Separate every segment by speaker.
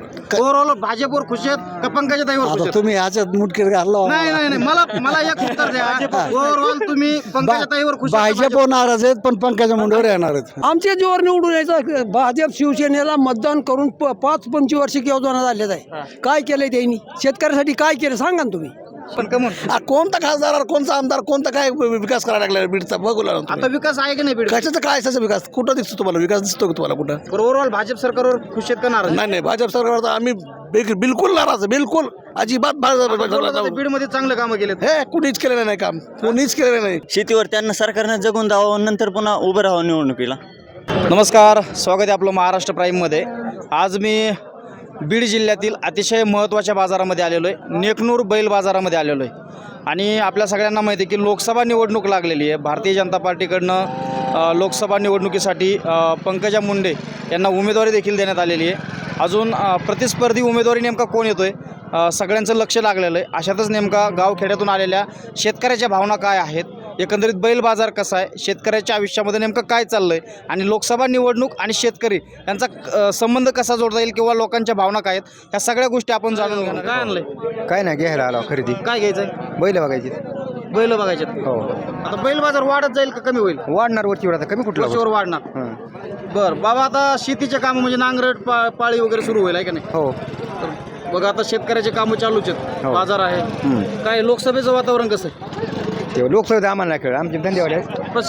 Speaker 1: Overall भाजपवर खुश आहेत का पंकजाताईवर खुश
Speaker 2: आता
Speaker 1: आहेत?
Speaker 2: तुम्ही ह्याच्यात मुटकीत घालला
Speaker 1: नाही नाही नाही मला एक उत्तर द्या. ओव्हरऑल तुम्ही पंकजाताईवर खुश आहेत का
Speaker 2: भाजप नाराज आहेत पण पंकजा मुंडेवर येणार आहेत.
Speaker 3: आमच्या जोर निवडून यायचं भाजप शिवसेनेला मतदान करून 5-25 वर्षी योजना झालेत आहे. काय केलंय त्यांनी शेतकऱ्यासाठी काय केलं सांगा ना तुम्ही.
Speaker 1: पण कमून
Speaker 2: कोणता खासदार कोणता आमदार कोणता काय विकास करायला लागला बीडचा बघू लागला
Speaker 1: आता विकास आहे की नाही बीड?
Speaker 2: कशाचा काय असायचा विकास कुठं दिसतो तुम्हाला विकास दिसतो का तुम्हाला कुठं?
Speaker 1: ओव्हरऑल भाजप सरकारवर खुश आहेत का नाराज?
Speaker 2: नाही भाजप सरकार तर आम्ही बिलकुल नाराज आहे, बिलकुल अजिबात
Speaker 1: बीड मध्ये चांगलं कामं केलेत.
Speaker 2: हे कुणीच केलेलं नाही काम, कुणीच केलेलं नाही.
Speaker 4: शेतीवर त्यांना सरकारनं जगून द्यावं नंतर पुन्हा उभं राहावं निवडणुकीला.
Speaker 1: नमस्कार, स्वागत आहे आपलं महाराष्ट्र प्राईममध्ये. आज मी बीड जिल्ह्यातील अतिशय महत्त्वाच्या बाजारामध्ये आलेलो आहे, नेकनूर बैल बाजारामध्ये आलेलो आहे. आणि आपल्या सगळ्यांना माहिती आहे की लोकसभा निवडणूक लागलेली आहे. भारतीय जनता पार्टीकडनं लोकसभा निवडणुकीसाठी पंकजा मुंडे यांना उमेदवारी देखील देण्यात आलेली आहे. अजून प्रतिस्पर्धी उमेदवारी नेमका कोण येतो आहे सगळ्यांचं लक्ष लागलेलं आहे. अशातच नेमका गावखेड्यातून आलेल्या शेतकऱ्याच्या भावना काय आहेत, एकंदरीत बैल बाजार कसा आहे, शेतकऱ्याच्या आयुष्यामध्ये नेमकं काय चाललं आहे आणि लोकसभा निवडणूक आणि शेतकरी यांचा संबंध कसा जोडता येईल किंवा लोकांच्या भावना काय आहेत, ह्या सगळ्या गोष्टी आपण जाणून घेणार. काय आणलंय?
Speaker 5: काय नाही घ्यायला आलो खरेदी.
Speaker 1: काय घ्यायचं आहे?
Speaker 5: बैल बघायची.
Speaker 1: बैल बघायचे.
Speaker 5: हो
Speaker 1: आता बैल बाजार वाढत जाईल का कमी होईल?
Speaker 5: वाढणार वरची आता कमी कुठला
Speaker 1: वर्षावर वाढणार. बरं बाबा, आता शेतीचे कामं म्हणजे नांगरट पाळी वगैरे सुरू होईल आहे का नाही?
Speaker 5: हो
Speaker 1: तर बघा आता शेतकऱ्याचे कामं चालूच आहेत, बाजार आहे. काय लोकसभेचं वातावरण कसं आहे?
Speaker 5: ते लोकसभेत आम्हाला नाही कळलं, आमचे धंदेवाले आहेत.
Speaker 1: पण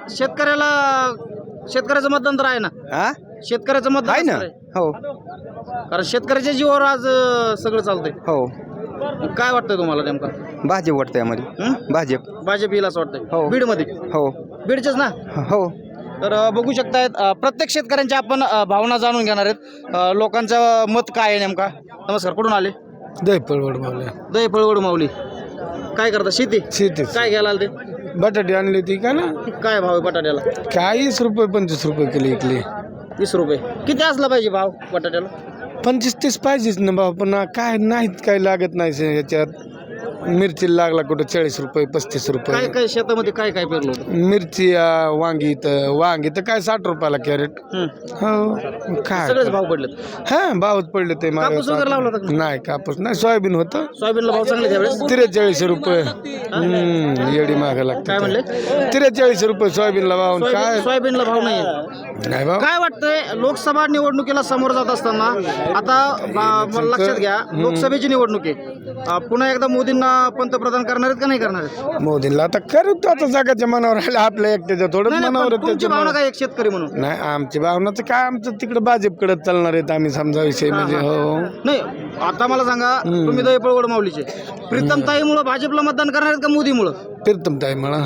Speaker 1: शेतकऱ्याचं मतदान तर आहे ना?
Speaker 5: हा
Speaker 1: शेतकऱ्याचं मतदान
Speaker 5: आहे ना.
Speaker 1: असणार आहे.
Speaker 5: हो
Speaker 1: कारण शेतकऱ्याच्या जीवावर आज सगळं चालतंय.
Speaker 5: हो
Speaker 1: काय वाटतंय तुम्हाला नेमकं?
Speaker 5: भाजप वाटतं यामध्ये. भाजप
Speaker 1: भाजप येईल असं वाटतंय
Speaker 5: हो.
Speaker 1: बीडमध्ये?
Speaker 5: हो
Speaker 1: बीडचेच ना?
Speaker 5: हो
Speaker 1: तर बघू शकतायत प्रत्येक शेतकऱ्यांच्या आपण भावना जाणून घेणार आहेत. लोकांचं मत काय आहे नेमका. नमस्कार, कुठून आले?
Speaker 2: दहीपळवड मावल्या
Speaker 1: दही फळवड माऊली. काय करता? शेती.
Speaker 2: शेती
Speaker 1: काय घ्यायला आले ते?
Speaker 2: बटाटे आणली ती का ना
Speaker 1: काय भाव आहे बटाट्याला?
Speaker 2: काय 20 रुपये 25 रुपये किलो इकले.
Speaker 1: 20 रुपये. किती असला पाहिजे भाव बटाट्याला?
Speaker 2: 25-30 पाहिजेच ना भाऊ, पण काय नाहीत, काय लागत नाही ह्याच्यात. मिरची लागला कुठं 40 रुपये 35
Speaker 1: काय
Speaker 2: रुपये.
Speaker 1: काय शेतामध्ये काय काय पेरलं होतं?
Speaker 2: मिरची वांगी तर काय 60 रुपयाला कॅरेट. हो काय
Speaker 1: सगळेच भाव पडलेत.
Speaker 2: हा भावच पडले ते
Speaker 1: कापूस वगैरे लावला होता का?
Speaker 2: नाही कापूस नाही, सोयाबीन होतं
Speaker 1: सोयाबीनला भाव चांगले त्यावेळेस.
Speaker 2: 43 रुपये. येडी माग
Speaker 1: काय
Speaker 2: लागते.
Speaker 1: म्हणले?
Speaker 2: 43 रुपये सोयाबीनला भाव. काय
Speaker 1: सोयाबीनला भाव नाही.
Speaker 2: नाही भाव.
Speaker 1: काय वाटतंय लोकसभा निवडणुकीला समोर जात असताना आता मला लक्षात घ्या, लोकसभेची निवडणूक आहे. पुन्हा एकदा मोदींना पंतप्रधान करणार आहेत का नाही करणार आहेत?
Speaker 2: मोदींना आता करतो, आता जगाच्या मनावर राहिलं, आपल्या एकट्याच्या थोडं
Speaker 1: नाही,
Speaker 2: मनावर
Speaker 1: पण
Speaker 2: आहे
Speaker 1: तुमची
Speaker 2: त्याच्या
Speaker 1: भावना काय एक शेतकरी म्हणून?
Speaker 2: नाही आमची भावनाचं काय, आमचं तिकडे भाजपकडे चालणार आहेत आम्ही समजा विषय म्हणजे. हो
Speaker 1: नाही, आता मला सांगा, तुम्ही दहीपळवड माऊलीचे प्रीतमताईमुळे भाजपला मतदान करणार आहेत का मोदीमुळे?
Speaker 2: प्रीतम ताई मला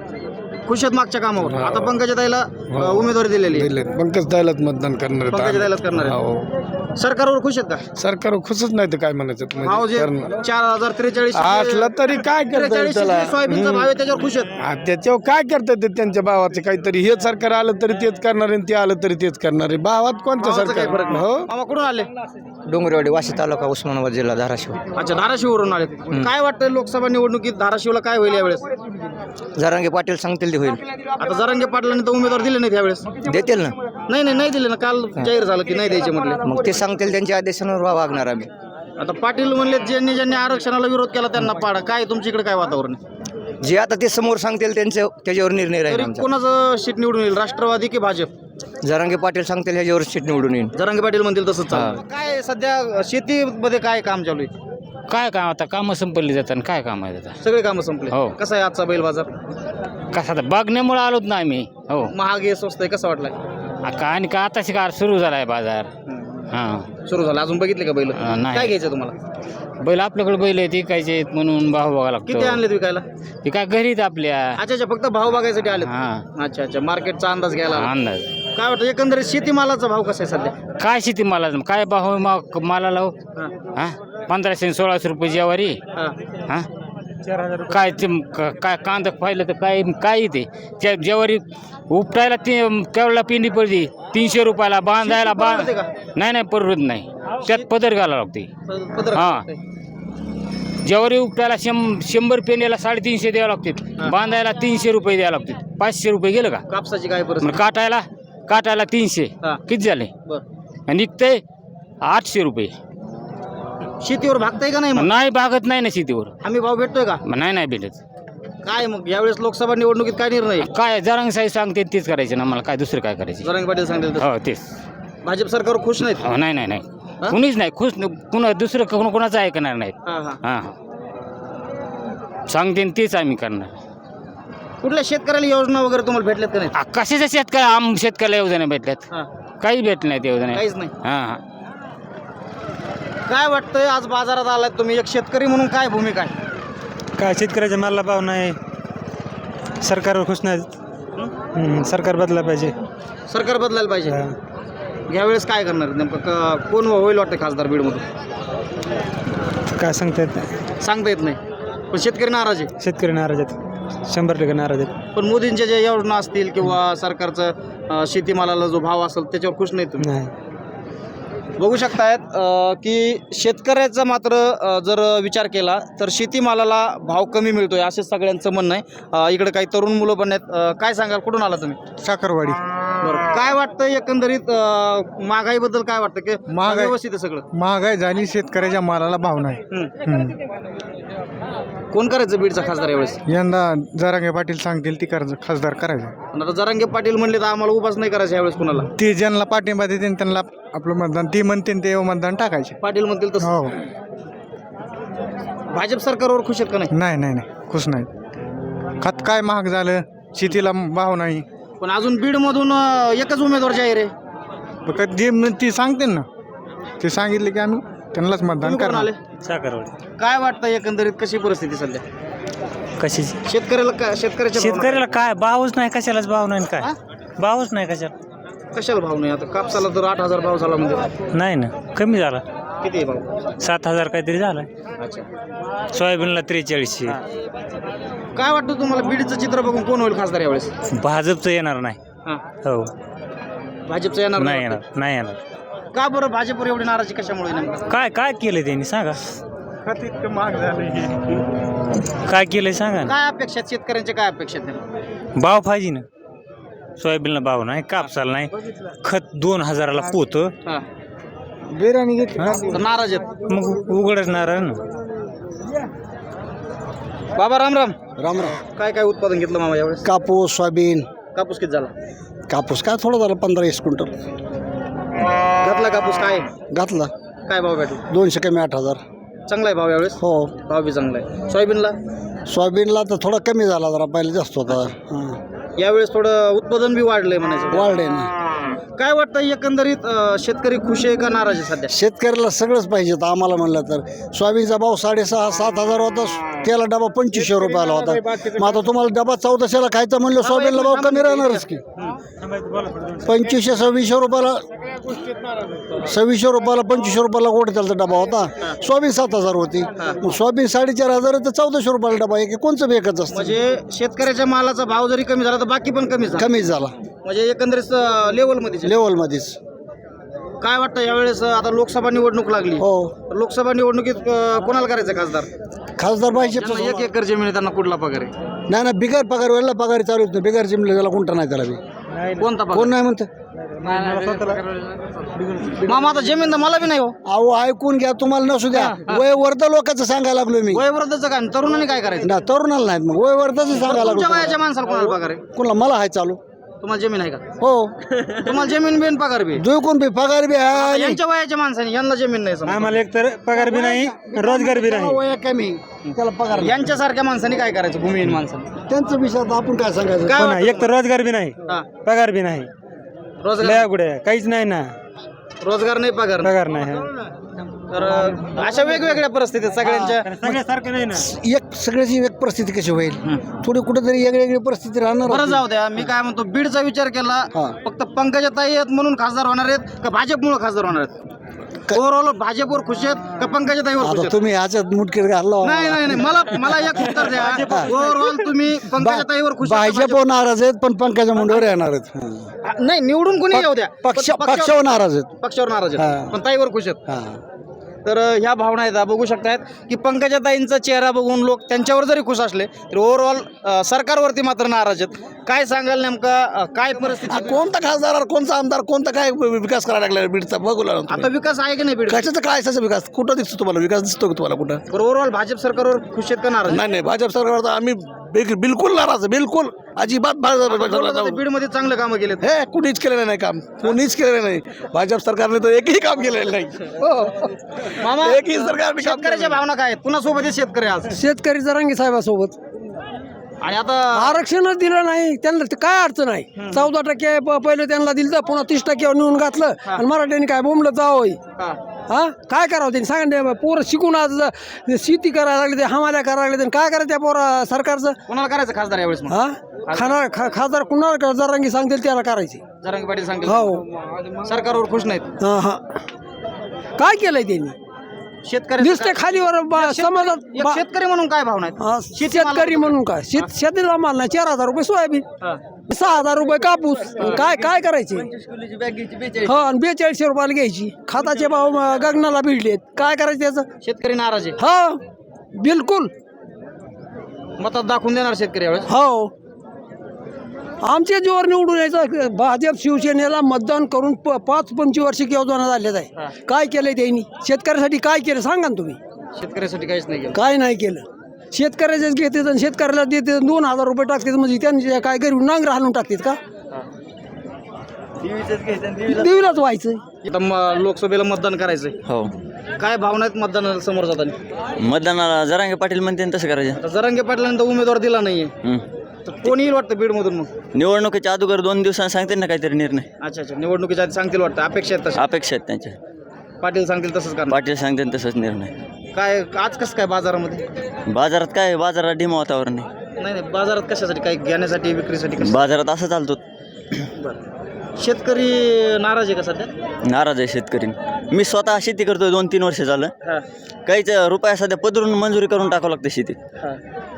Speaker 1: खुश आहेत मागच्या कामावर. आता पंकजाताईला उमेदवारी दिलेली आहे.
Speaker 2: पंकज ताईलाच मतदान करणार आहेत
Speaker 1: पंकजाताईलाच करणार
Speaker 2: आम्ही.
Speaker 1: आहेत.
Speaker 2: हो
Speaker 1: सरकारवर खुश आहेत का?
Speaker 2: सरकार खुशच नाही तर काय म्हणायचं
Speaker 1: भाव जे
Speaker 2: करणार.
Speaker 1: 4043
Speaker 2: असलं तरी काय करतात त्याला.
Speaker 1: सोयाबीनचा भाव आहे त्याच्यावर खुश आहेत.
Speaker 2: त्याच्यावर काय करतात ते त्यांच्या भावाचं काहीतरी. हे सरकार आलं तरी तेच करणार आहे, ते आलं तरी तेच करणार आहे. भावात कोणतं
Speaker 1: भावाचा काही फरक
Speaker 2: सरकार.
Speaker 1: नाही.
Speaker 2: हो
Speaker 1: मामा कुठून आले?
Speaker 5: डोंगरवाडी वाशी तालुका उस्मानाबाद जिल्हा धाराशिव.
Speaker 1: अच्छा, धाराशिववरून आले. काय वाटतं लोकसभा निवडणुकीत धाराशिवला काय होईल यावेळेस?
Speaker 5: जरांगे पाटील सांगतील ते होईल.
Speaker 1: आता जरांगे पाटलांनी तर उमेदवार दिले नाहीत यावेळेस.
Speaker 5: देतील ना.
Speaker 1: नाही दिले ना. काल जाहीर झालं की नाही द्यायचे म्हटले.
Speaker 5: मग ते सांगतील, त्यांच्या आदेशानुसार वागणार आम्ही.
Speaker 1: आता पाटील म्हणले ज्यांनी आरक्षणाला विरोध केला त्यांना पाडा. काय तुमच्याकडे काय वातावरण आहे?
Speaker 5: जे आता ते समोर सांगतील त्याच्यावर निर्णय राहील
Speaker 1: तरी
Speaker 5: आमचा.
Speaker 1: कोणाचं सीट निवडून येईल, राष्ट्रवादी की भाजप?
Speaker 5: जरांगे पाटील सांगतील ह्याच्यावर सीट निवडून येईल.
Speaker 1: जरांगे पाटील म्हणतील तसंच चालेल. काय सध्या शेतीमध्ये काय काम चालू आहे?
Speaker 6: काय काम आता कामं संपली जातात आणि काय काम आहे आता
Speaker 1: सगळे कामं संपले.
Speaker 6: हो.
Speaker 1: कसा आहे आजचा बैल बाजार?
Speaker 6: कसं आता बघण्यामुळे आलोच ना आम्ही. हो
Speaker 1: महाग आहे, स्वस्त आहे, कसा वाटलाय?
Speaker 6: आणि का आताशी का सुरू झाला आहे बाजार. हां
Speaker 1: सुरू झाला, अजून बघितले का बैल?
Speaker 6: नाही.
Speaker 1: काय घ्यायचं तुम्हाला?
Speaker 6: बैल आपल्याकडे बैल आहे ती कायचे म्हणून भाव बघायला
Speaker 1: किती
Speaker 6: लागतो.
Speaker 1: आणलेत विकायला?
Speaker 6: ते काय घरीच आपल्या.
Speaker 1: अच्छा, फक्त भाव बघायसाठी आले?
Speaker 6: हां
Speaker 1: अच्छा, मार्केटचा अंदाज घ्यायला आला.
Speaker 6: अंदाज
Speaker 1: काय वाटतं एकंदरीत शेतीमालाचा भाव कसा आहे सध्या?
Speaker 6: काय शेती माला काय भाव माला लाव.
Speaker 1: हा.
Speaker 6: हां 1500-1600 रुपये ज्वारी.
Speaker 1: हा.
Speaker 6: हां काय ते काय कांदा पाहिलं तर काय ते त्या ज्वारी उपटायला ते केवढा पिंडी पडली 300 रुपयाला. बांधायला
Speaker 1: परवडते का?
Speaker 6: नाही परवडत नाही. त्यात पदर घालावं लागते.
Speaker 1: पदर
Speaker 6: हां. ज्वारी उपटायला 100 पेंड्याला 350 द्यावं लागते. बांधायला 300 रुपये द्यावं लागते. 500 रुपये गेलं का?
Speaker 1: कापसाची काय
Speaker 6: मग
Speaker 1: परिस्थिती?
Speaker 6: काटायला 300.
Speaker 1: हा.
Speaker 6: किती झाले?
Speaker 1: बरं.
Speaker 6: निघते 800 रुपये.
Speaker 1: शेतीवर भागताय का नाही मग
Speaker 6: नाही भागत नाही ना शेतीवर.
Speaker 1: हमी भाव भेटतोय का
Speaker 6: नाही भेटत.
Speaker 1: काय मग यावेळेस लोकसभा निवडणुकीत काय निर्णय
Speaker 6: काय जरांगे साहेब सांगते तेच करायचं ना, मला काय दुसरं काय करायचं.
Speaker 1: जरांगे पाटील सांगतील तसं.
Speaker 6: हो तेच.
Speaker 1: भाजप सरकारवर खुश नाहीत
Speaker 6: नाही कुणीच नाही खुश. कुणा दुसरं कोणाचं ऐकणार नाहीत.
Speaker 1: हां.
Speaker 6: हां सांगते तेच आम्ही करणार.
Speaker 1: कुठल्या शेतकऱ्याला योजना वगैरे तुम्हाला भेटल्यात का नाही
Speaker 6: कशाच्या शेतकऱ्याला योजना भेटल्यात?
Speaker 1: हां.
Speaker 6: काही भेटलं नाही त्या योजना.
Speaker 1: काहीच नाही.
Speaker 6: हां
Speaker 1: काय वाटतंय आज बाजारात आलात तुम्ही एक शेतकरी म्हणून काय भूमिका आहे
Speaker 7: काय शेतकऱ्याच्या मालाला भाव नाही, सरकारवर खुश नाहीत. सरकार बदलायला पाहिजे.
Speaker 1: सरकार बदलायला पाहिजे यावेळेस काय करणार नेमकं कोण होईल वाटतं खासदार बीडमधून
Speaker 7: काय सांगता येत नाही.
Speaker 1: सांगता येत नाही पण शेतकरी नाराज आहे
Speaker 7: शेतकरी नाराज आहेत, 100% नाराज आहेत.
Speaker 1: पण मोदींच्या ज्या योजना असतील किंवा सरकारचं शेतीमालाला जो भाव असेल त्याच्यावर खुश नाही तुम्ही
Speaker 7: नाही.
Speaker 1: बघू शकतायत की शेतकऱ्याचा मात्र जर विचार केला तर शेतीमालाला भाव कमी मिळतोय असे सगळ्यांचं म्हणणं आहे. इकडे काही तरुण मुलं पण आहेत. काय सांगाल कुठून आला तुम्ही
Speaker 2: साखरवाडी.
Speaker 1: बरं काय वाटतं एकंदरीत महागाईबद्दल काय वाटतं की
Speaker 2: महागाई-
Speaker 1: व्यवस्थित आहे सगळं
Speaker 2: महागाई झाली, शेतकऱ्याच्या मालाला भाव नाही.
Speaker 1: कोण करायचं बीडचा खासदार यावेळेस
Speaker 2: यंदा जरांगे पाटील सांगतील ती खासदार करायचं.
Speaker 1: पण आता जरांगे पाटील म्हणले तर आम्हाला उपास नाही करायचं यावेळेस कोणाला
Speaker 2: ते ज्यांना पाठिंबा देतील त्यांना आपलं मतदान, ती म्हणतील ते मतदान टाकायचे.
Speaker 1: पाटील म्हणतील तसं
Speaker 2: हो.
Speaker 1: भाजप सरकारवर खुश आहेत का नाही
Speaker 2: नाही खुश नाही. खत काय महाग झालं, शेतीला भाव नाही.
Speaker 1: पण अजून बीडमधून एकच उमेदवार जाहीर आहे
Speaker 2: फक्त जे ती सांगतील ना, ते सांगितले की आम्ही त्यांनाच मतदान
Speaker 1: तुम्ही कोण
Speaker 2: करणार.
Speaker 1: आले
Speaker 7: साखरवाडी.
Speaker 1: काय वाटतं एकंदरीत कशी परिस्थिती सध्या
Speaker 7: कशी
Speaker 1: शेतकऱ्याच्या
Speaker 7: शेतकऱ्याला काय भावच नाही, कशालाच भाव नाही. काय भावच नाही कशाला.
Speaker 1: कशाला भाव नाही आता कापसाला तर 8,000 भाव झाला म्हणजे
Speaker 7: नाही ना, कमी झाला.
Speaker 1: किती आहे भाव
Speaker 7: 7,000 काहीतरी झाला.
Speaker 1: अच्छा
Speaker 7: सोयाबीनला 4300.
Speaker 1: काय वाटतं तुम्हाला बीडचं चित्र बघून कोण होईल खासदार यावेळेस
Speaker 7: भाजपचं येणार नाही.
Speaker 1: हां
Speaker 7: हो
Speaker 1: भाजपचं येणार
Speaker 7: नाही
Speaker 1: वाटतं?
Speaker 7: येणार, नाही येणार.
Speaker 1: का बरं भाजपवर एवढी नाराजी कशामुळे नेमकं
Speaker 7: काय केलं त्यांनी सांगा.
Speaker 2: खत इतकं महाग झालं.
Speaker 7: काय केलंय सांगा ना.
Speaker 1: काय अपेक्षा आहेत शेतकऱ्यांच्या काय अपेक्षा आहेत नेमकं?
Speaker 7: भाव पाहिजे ना. सोयाबीनला भाव नाही, कापसाला नाही. खत 2000ला पोत.
Speaker 1: हां
Speaker 2: बिर्याणी घेतली.
Speaker 1: तर नाराज आहेत
Speaker 7: मग उघडच नारळ ना.
Speaker 1: बाबा राम राम
Speaker 3: राम
Speaker 1: काय काय उत्पादन घेतलं मामा यावेळेस
Speaker 3: कापूस सोयाबीन.
Speaker 1: कापूस किती झाला
Speaker 3: कापूस काय थोडं झालं 15-20 क्विंटल
Speaker 1: घातला कापूस काय
Speaker 3: घातला.
Speaker 1: काय भाव भेटला
Speaker 3: 200 कमी 8,000.
Speaker 1: चांगला आहे भाव यावेळेस
Speaker 3: हो.
Speaker 1: भाव बी चांगला आहे सोयाबीनला
Speaker 3: सोयाबीनला तर थोडा कमी झाला, जरा पहिले जास्त होता.
Speaker 1: यावेळेस थोडं उत्पादन बी वाढलंय म्हणायचं
Speaker 3: वाढले ना.
Speaker 1: काय वाटतं एकंदरीत शेतकरी खुश आहे का नाराज आहे सध्या
Speaker 3: शेतकऱ्याला सगळंच पाहिजे तर आम्हाला म्हणलं तर सोयाबीनचा भाव 6,500-7,000 होता. त्याला डबा 2500 रुपयाला होता. मग आता तुम्हाला डबा 1400ला खायचा म्हणलं सोयाबीनला भाव कमी राहणारच की. 2500-2600 रुपयाला 2600 रुपयाला गोड त्याचा डबा होता. सोयाबीन 7,000 होती. मग सोयाबीन 4,500 तर 1400 रुपयाला डबा आहे की कोणचं बेकच असतं.
Speaker 1: म्हणजे शेतकऱ्याच्या मालाचा भाव जरी कमी झाला तर बाकी पण कमी झाला
Speaker 3: कमीच झाला
Speaker 1: म्हणजे एकंदरीत लेवलमध्ये
Speaker 3: लेवलमध्येच.
Speaker 1: काय वाटतं यावेळेस आता लोकसभा निवडणूक लागली
Speaker 3: हो.
Speaker 1: लोकसभा निवडणुकीत कोणाला करायचं खासदार
Speaker 3: खासदार पाहिजे.
Speaker 1: ज्यांना 1 एकर जमीन आहे त्यांना कुठला पगार आहे
Speaker 3: नाही बिगर पगार वेळेला पगार चालू होत नाही. बिगर जिमले त्याला कोणता नाही त्याला बी.
Speaker 1: कोणता
Speaker 3: कोण
Speaker 1: पगार
Speaker 3: नाही म्हणतं.
Speaker 1: मामा आता जमीन तर मला बी नाही हो
Speaker 3: अहो ऐकून घ्या, तुम्हाला नसू द्या. वय वर्ध लोकांचं सांगायला लागलो मी.
Speaker 1: वयवृद्धचं काय तरुणांनी काय करायचं
Speaker 3: ना तरुणाला नाहीत, मग वय वर्धाचं सांगायला
Speaker 1: तुमच्या
Speaker 3: लागलो.
Speaker 1: वयाच्या माणसाला कोणाला पगार आहे
Speaker 3: कोणाला मला हाय चालू.
Speaker 1: तुम्हाला जमीन आहे का
Speaker 3: हो.
Speaker 1: तुम्हाला जमीन बिन पगार बी
Speaker 3: जो कोण बी पगार बी आहे.
Speaker 1: यांच्या वयाच्या माणसाने यांना जमीन नाही समजा.
Speaker 7: आम्हाला एक तर पगार बी नाही, रोजगार बी नाही.
Speaker 3: वय कमी त्याला पगार नाही.
Speaker 1: यांच्यासारख्या माणसाने काय करायचं भूमिहीन माणसाने
Speaker 3: त्यांचं विषय आता आपण काय सांगायचं.
Speaker 1: काय
Speaker 7: हो ना,
Speaker 1: वाटतं
Speaker 7: एक तर रोजगार बी नाही,
Speaker 1: हा.
Speaker 7: पगार बी नाही.
Speaker 1: रोजगार
Speaker 7: लया गुडे काहीच नाही ना,
Speaker 1: रोजगार नाही पगार नाही.
Speaker 7: पगार नाही.
Speaker 1: तर अशा वेगवेगळ्या परिस्थितीत सगळ्यांच्या
Speaker 7: सगळ्यासारखं नाही ना.
Speaker 3: एक सगळ्याची एक परिस्थिती कशी होईल. थोडी कुठेतरी वेगळी परिस्थिती राहणार.
Speaker 1: बरं जाऊ द्या मी काय म्हणतो बीडचा विचार केला
Speaker 3: हा.
Speaker 1: फक्त पंकजाताई आहेत म्हणून खासदार होणार आहेत का भाजपमुळे खासदार होणार आहेत ओव्हरऑल भाजपवर खुश आहेत का पंकजाताईवर खुश
Speaker 3: आता
Speaker 1: आहेत
Speaker 3: तुम्ही ह्याच्यात मुटकीत घालला.
Speaker 1: नाही मला एक उत्तर द्या ओव्हरऑल तुम्ही पंकजाताईवर खुश आहेत का
Speaker 3: भाजप नाराज आहेत पण पंकजा मुंडेवर येणार आहेत.
Speaker 1: भाजप? नाही निवडून कोणी येऊ द्या
Speaker 3: पक्षावर नाराज आहेत.
Speaker 1: पक्षावर नाराज आहेत
Speaker 3: हा.
Speaker 1: पण ताईवर खुश आहेत
Speaker 3: हा.
Speaker 1: तर ह्या भावना आहेत बघू शकतायत की पंकजाताईंचा चेहरा बघून लोक त्यांच्यावर जरी खुश असले तरी ओव्हरऑल सरकारवरती मात्र नाराज आहेत. काय सांगाल नेमका काय परिस्थिती
Speaker 3: कोणता खासदार कोणता आमदार कोणता काय विकास करायला लागला बीडचा बघू लागला
Speaker 1: आता विकास आहे की नाही बीड
Speaker 3: कशाचा काय असायचा विकास कुठं दिसतो तुम्हाला विकास दिसतो का तुम्हाला कुठं
Speaker 1: ओव्हरऑल भाजप सरकारवर खुश आहेत का नाराज
Speaker 3: नाही नाही भाजप सरकारवर तर आम्ही बिलकुल नाराज आहे, बिलकुल अजिबात
Speaker 1: बीडमध्ये चांगलं कामं केलेत.
Speaker 3: हे कुणीच केलेलं नाही काम कुणीच केलेलं नाही भाजप सरकारने तर एकही काम केलेलं नाही
Speaker 1: मामा
Speaker 3: एकही सरकारने काम
Speaker 1: शेतकऱ्याच्या भावना काय आहेत कुणासोबत आहेत शेतकरी आज
Speaker 8: शेतकरी जरांगी साहेबासोबत
Speaker 1: आणि आता
Speaker 8: आरक्षणच दिलं नाही त्यांना ते काय अडचण आहे. 14% पहिलं त्यांना दिलं तर पुन्हा 30% नेऊन घातलं आणि मराठ्यांनी काय बोंबलं जावं
Speaker 1: हा.
Speaker 8: हा काय करावं त्यांनी सांगा ना, पोरं शिकून आज शेती करायला लागले ते हमाल्या करायला लागले काय करायचं त्या पोरा सरकारचं
Speaker 1: कोणाला करायचं खासदार यावेळेस मग?
Speaker 8: हा खासदार कुणाला जरांगी सांगतील त्याला करायचे.
Speaker 1: जरांगे पाटील सांगतील
Speaker 8: हो
Speaker 1: सरकारवर खुश नाहीत.
Speaker 8: हा काय केलंय त्यांनी
Speaker 1: शेतकरी
Speaker 8: नुसते खालीवर समाजात
Speaker 1: शेतकरी म्हणून काय भावना आहेत?
Speaker 8: हा, शेतकरी म्हणून काय शेतीला माल नाही 4,000 रुपये सोयाबीन
Speaker 1: हा.
Speaker 8: 6,000 रुपये कापूस काय काय करायचे हो आणि 4200 रुपयाला घ्यायची खताचे भाव गगनाला भिडलेत काय करायचं त्याचं
Speaker 1: शेतकरी नाराज आहे.
Speaker 8: हो बिलकुल
Speaker 1: मतात दाखवून देणार शेतकरी यावेळेस.
Speaker 8: हो आमच्या जोर निवडून यायचं भाजप शिवसेनेला मतदान करून 5-25 वर्षिक योजना झालेत आहे. काय केलंय त्यांनी शेतकऱ्यासाठी काय केलं सांगा ना तुम्ही.
Speaker 1: शेतकऱ्यासाठी काहीच नाही केलं.
Speaker 8: काय नाही केलं शेतकऱ्याचेच घेतात आणि शेतकऱ्याला देते 2,000 रुपये टाकतात म्हणजे त्यांचे काय गरीब नांगर हाणून टाकतात का देवीलाच व्हायचं.
Speaker 1: इथं लोकसभेला मतदान करायचंय.
Speaker 5: हो
Speaker 1: काय भावना आहेत मतदानाला समोर जाताना?
Speaker 5: मतदानाला जरांगे पाटील म्हणते तसं करायचं.
Speaker 1: आता जरांगे पाटलांनी उमेदवार दिला नाहीये तर कोणी येईल वाटतं बीडमधून मग?
Speaker 5: निवडणुकीच्या अगोदर 2 दिवसांनी सांगते ना काहीतरी निर्णय.
Speaker 1: अच्छा निवडणुकीच्या आधी सांगतील वाटतं अपेक्षा आहेत तशा.
Speaker 5: अपेक्षा आहेत त्यांच्या.
Speaker 1: पाटील सांगतील तसंच करणार.
Speaker 5: पाटील सांगते तसंच निर्णय.
Speaker 1: काय आज कसं काय बाजारामध्ये?
Speaker 5: बाजारात काय बाजारात डिम वातावरण आहे.
Speaker 1: नाही बाजारात कशासाठी काय घेण्यासाठी विक्रीसाठी कसं?
Speaker 5: बाजारात असं चालतो.
Speaker 1: शेतकरी नाराज आहे का सध्या?
Speaker 5: नाराज आहे शेतकरी. मी स्वतः शेती करतोय 2-3 वर्ष झालं.
Speaker 1: हा.
Speaker 5: काहीच रुपया सध्या पदरून मंजुरी करून टाकावं लागतं शेतीत.
Speaker 1: हा.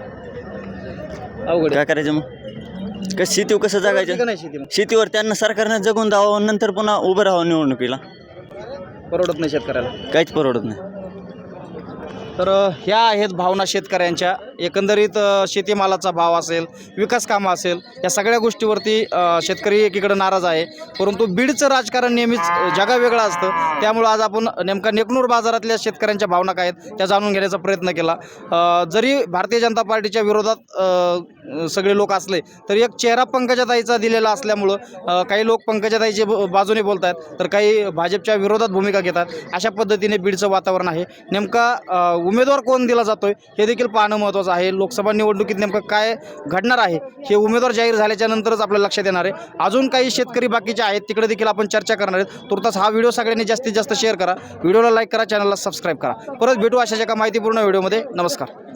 Speaker 1: अवघड
Speaker 5: काय करायचं मग कसं शेतीवर कसं
Speaker 1: आहे. का
Speaker 5: जगायचं.
Speaker 1: नाही शेती मग?
Speaker 5: शेतीवर त्यांना सरकारने जगून द्यावं नंतर पुन्हा उभं राहावं निवडणुकीला.
Speaker 1: परवडत नाही शेतकऱ्याला.
Speaker 5: काहीच परवडत नाही.
Speaker 1: तर ह्या आहेत भावना शेतकऱ्यांच्या. एकंदरीत शेतीमालाचा भाव असेल विकास कामं असेल या सगळ्या गोष्टीवरती शेतकरी एकीकडे नाराज आहे. परंतु बीडचं राजकारण नेहमीच जगावेगळं असतं. त्यामुळं आज आपण नेमका नेकनूर बाजारातल्या शेतकऱ्यांच्या भावना काय आहेत त्या जाणून घेण्याचा प्रयत्न केला. जरी भारतीय जनता पार्टीच्या विरोधात सगळे लोक असले तरी एक चेहरा पंकजाताईचा दिलेला असल्यामुळं काही लोक पंकजाताईच्या बाजूने बोलत आहेत तर काही भाजपच्या विरोधात भूमिका घेतात. अशा पद्धतीने बीडचं वातावरण आहे. नेमका उमेदवार कोण दिला जातोय हे देखील पाहणं महत्त्वाचं आहे. लोकसभा निवडणुकीत नेमकं काय घडणार आहे हे उमेदवार जाहीर झाल्याच्या नंतरच आपल्याला लक्षात येणार आहे. अजून काही शेतकरी बाकीचे आहेत तिकडे देखील आपण चर्चा करणार आहेत. तुर्तास हा व्हिडिओ सगळ्यांनी जास्तीत जास्त शेअर करा. व्हिडिओला लाईक करा, चॅनलला सबस्क्राईब करा. परत भेटू अशाच एका माहितीपूर्ण व्हिडिओमध्ये. नमस्कार.